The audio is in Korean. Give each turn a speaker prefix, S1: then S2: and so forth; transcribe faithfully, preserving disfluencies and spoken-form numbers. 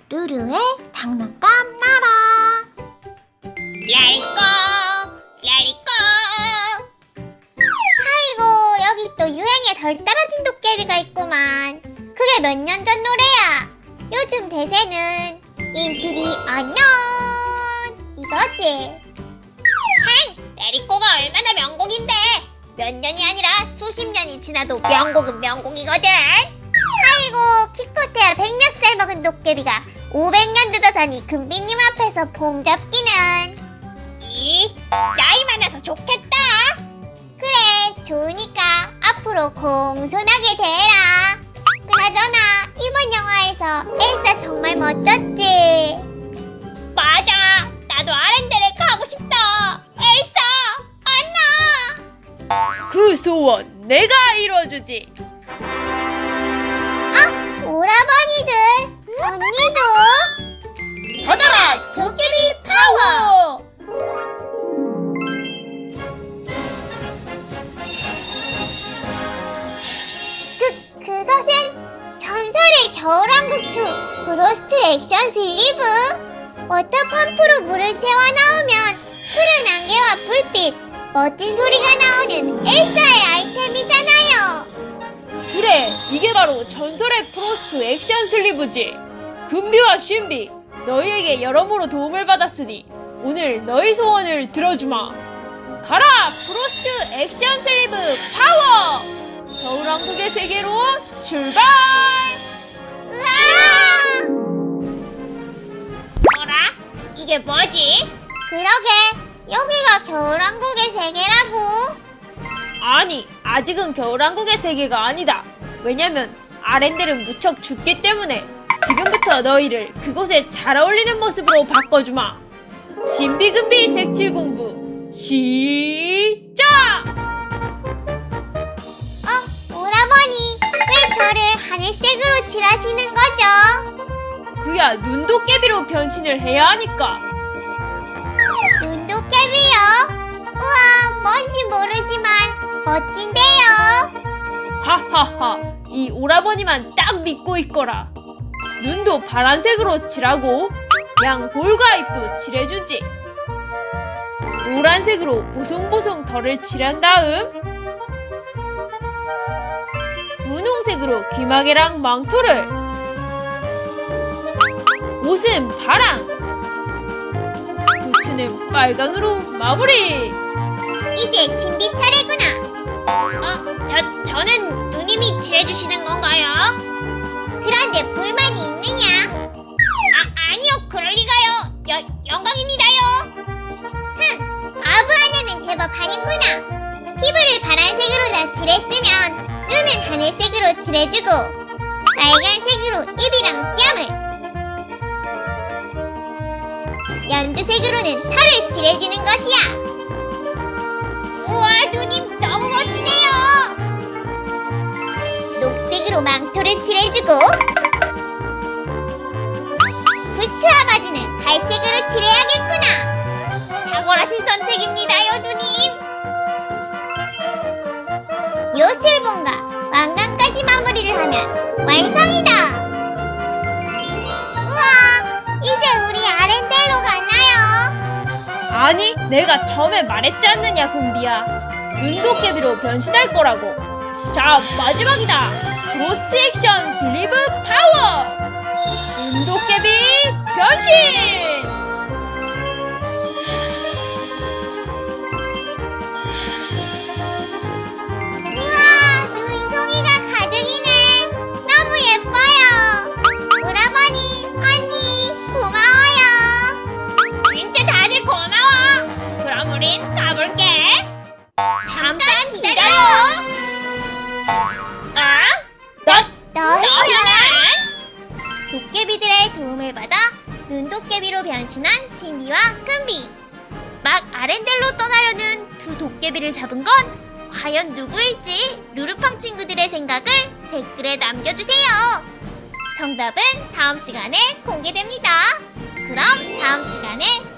S1: 루루의 장난감 나라.
S2: 레리꼬 레리꼬.
S1: 아이고, 여기 또 유행에 덜 떨어진 도깨비가 있구만. 그게 몇 년 전 노래야. 요즘 대세는 Into the Unknown 이거지.
S2: 행! 레리꼬가 얼마나 명곡인데 몇 년이 아니라 수십 년이 지나도 명곡은 명곡이거든.
S1: 아이고, 키코테야 백 몇 살 먹은 도깨비가 오백 년 늦어서니 금비님 앞에서 폼 잡기는.
S2: 이 나이 많아서 좋겠다.
S1: 그래, 좋으니까 앞으로 공손하게 대해라. 그나저나 이번 영화에서 엘사 정말 멋졌지.
S2: 맞아, 나도 아렌데레 가고 싶다. 엘사, 안나.
S3: 그 소원 내가 이뤄주지.
S1: 아, 오라버니들, 언니도.
S2: 받아라, 도깨비 파워.
S3: 어!
S1: 그, 그것은 전설의 겨울왕국추 프로스트 액션 슬리브. 워터펌프로 물을 채워 넣으면 푸른 안개와 불빛, 멋진 소리가 나오는 엘사의 아이템이잖아요.
S3: 그래, 이게 바로 전설의 프로스트 액션 슬리브지. 금비와 신비, 너희에게 여러모로 도움을 받았으니 오늘 너희 소원을 들어주마. 가라, 프로스트 액션 슬리브 파워! 겨울왕국의 세계로 출발!
S1: 으아!
S2: 뭐라? 이게 뭐지?
S1: 그러게, 여기가 겨울왕국의 세계라고.
S3: 아니, 아직은 겨울왕국의 세계가 아니다. 왜냐면 아렌델은 무척 춥기 때문에 지금부터 너희를 그곳에 잘 어울리는 모습으로 바꿔주마. 신비금비 색칠 공부 시작!
S1: 어, 오라버니, 왜 저를 하늘색으로 칠하시는 거죠?
S3: 그야 눈도깨비로 변신을 해야 하니까.
S1: 눈도깨비요? 우와, 뭔지 모르지만 멋진데요.
S3: 하하하, 이 오라버니만 딱 믿고 있거라. 눈도 파란색으로 칠하고 양 볼과 입도 칠해주지. 노란색으로 보송보송 털을 칠한 다음 분홍색으로 귀마개랑 망토를, 옷은 파랑, 부츠는 빨강으로 마무리.
S1: 이제 신비 차례구나.
S2: 어, 저, 저는 누님이 칠해주시는 건가요?
S1: 그런데 불만이 있느냐?
S2: 아, 아니요, 그럴 리가요. 여, 영광입니다요.
S1: 흥, 아부하냐는 제법 아닌구나. 피부를 파란색으로 다 칠했으면 눈은 하늘색으로 칠해주고 빨간색으로 입이랑 뺨을, 연두색으로는 털을 칠해주는 것이야.
S2: 우와, 누님 너무 멋지네요.
S1: 녹색으로 망토를 칠해주고 부츠와 바지는 갈색으로 칠해야겠구나.
S2: 탁월하신 선택입니다요, 누님.
S1: 요술봉과 왕관까지 마무리를 하면 완성이다. 우와, 이제 우리 아렌델로 가나요?
S3: 아니, 내가 처음에 말했지 않느냐, 금비야. 눈도깨비로 변신할 거라고. 자, 마지막이다. 프로스트 액션 슬리브 파워! 눈도깨비 변신!
S1: 우와, 눈송이가 가득이네. 너무 예뻐요. 오라버니, 언니, 고마워요.
S2: 진짜 다들 고마워. 그럼 우린 가볼게. 잠깐 기다려요. 아? 너,
S1: 너희는
S2: 너희는?
S1: 도깨비들의 도움을 받아 눈도깨비로 변신한 신비와 금비. 막 아렌델로 떠나려는 두 도깨비를 잡은 건 과연 누구일지 루루팡 친구들의 생각을 댓글에 남겨주세요. 정답은 다음 시간에 공개됩니다. 그럼 다음 시간에